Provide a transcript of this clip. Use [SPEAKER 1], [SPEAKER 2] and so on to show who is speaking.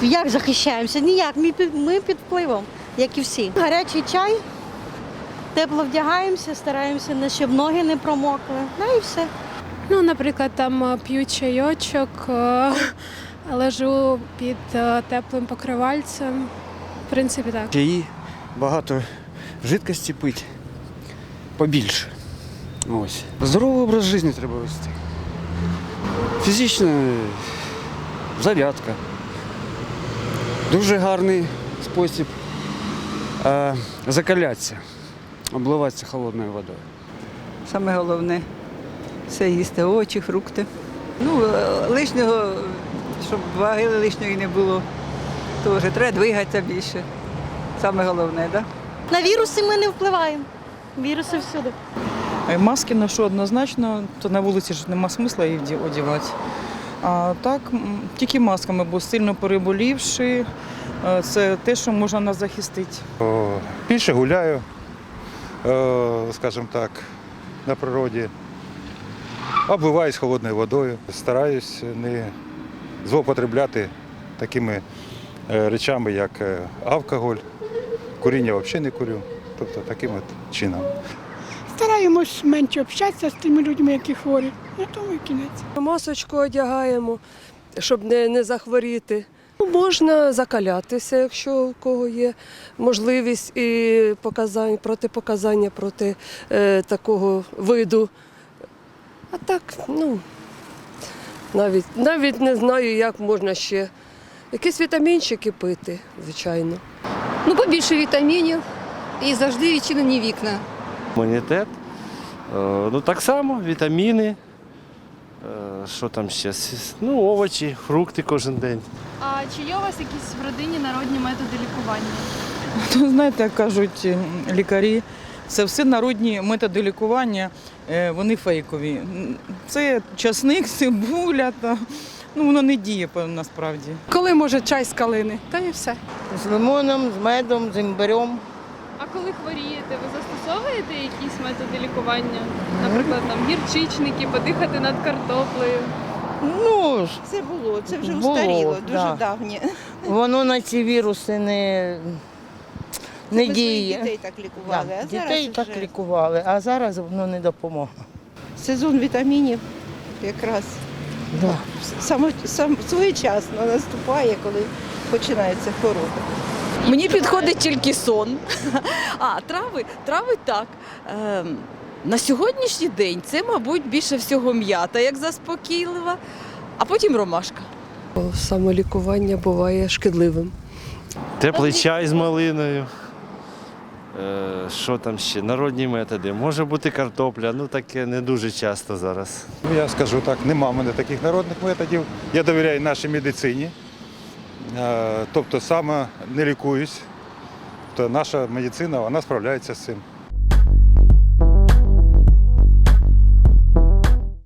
[SPEAKER 1] Як захищаємося? Ніяк, ми під впливом, як і всі. Гарячий чай, тепло вдягаємося, стараємося, щоб ноги не промокли. Ну і все.
[SPEAKER 2] Ну, наприклад, там п'ю чайочок, лежу під теплим покривальцем. В принципі, так.
[SPEAKER 3] Чаї, багато жидкості пити, побільше. Ось. Здоровий образ життя треба вести. Фізична зарядка. Дуже гарний спосіб закалятися, обливатися холодною водою.
[SPEAKER 4] Саме головне все їсти, овочі, фрукти. Ну, лишнього, щоб ваги лишньої не було, теж треба двигатися більше. Саме головне, так?
[SPEAKER 1] На віруси ми не впливаємо. Віруси всюди.
[SPEAKER 5] Маски ношу однозначно, то на вулиці ж нема смисла їх одягати. А так, тільки масками, бо сильно переболівши, це те, що можна нас захистити.
[SPEAKER 6] Більше гуляю, скажімо так, на природі. Обливаюсь холодною водою. Стараюсь не злоупотребляти такими речами, як алкоголь. Куріння взагалі не курю. Тобто таким от чином.
[SPEAKER 7] Стараємось менше общатися з тими людьми, які хворі. На тому і кінець.
[SPEAKER 8] Масочку одягаємо, щоб не захворіти. Можна закалятися, якщо у кого є можливість і протипоказання проти такого виду. А так, навіть не знаю, як можна ще. Якісь вітамінчики пити, звичайно.
[SPEAKER 9] Побільше вітамінів і завжди відчинені вікна.
[SPEAKER 10] Імунітет, так само, вітаміни, що там ще, овочі, фрукти кожен день.
[SPEAKER 2] А чи є у вас якісь в родині народні методи лікування?
[SPEAKER 5] Знаєте, як кажуть лікарі, це все народні методи лікування, вони фейкові. Це часник, цибуля, воно не діє насправді.
[SPEAKER 7] Коли може чай з калини, та і все.
[SPEAKER 1] З лимоном, з медом, з імбирем.
[SPEAKER 2] А коли хворієте, ви застосовуєте якісь методи лікування? Наприклад, гірчичники, подихати над картоплею?
[SPEAKER 11] Це було, це вже
[SPEAKER 1] Було,
[SPEAKER 11] устаріло, дуже
[SPEAKER 1] да.
[SPEAKER 11] давнє.
[SPEAKER 1] Воно на ці віруси не
[SPEAKER 11] Ми своїх
[SPEAKER 1] діє.
[SPEAKER 11] дітей так лікували, а
[SPEAKER 1] Дітей
[SPEAKER 11] зараз
[SPEAKER 1] так
[SPEAKER 11] вже
[SPEAKER 1] лікували, а зараз воно не допомогло.
[SPEAKER 11] сезон вітамінів якраз своєчасно наступає, коли починається хвороба.
[SPEAKER 12] Мені підходить тільки сон. А трави так. На сьогоднішній день це, мабуть, більше всього м'ята, як заспокійлива, а потім ромашка.
[SPEAKER 8] Самолікування буває шкідливим.
[SPEAKER 10] Теплий чай з малиною. Що там ще? Народні методи. Може бути картопля, таке не дуже часто зараз.
[SPEAKER 6] Я скажу так, нема в мене таких народних методів. Я довіряю нашій медицині. Тобто саме не лікуюсь. То наша медицина, вона справляється з цим.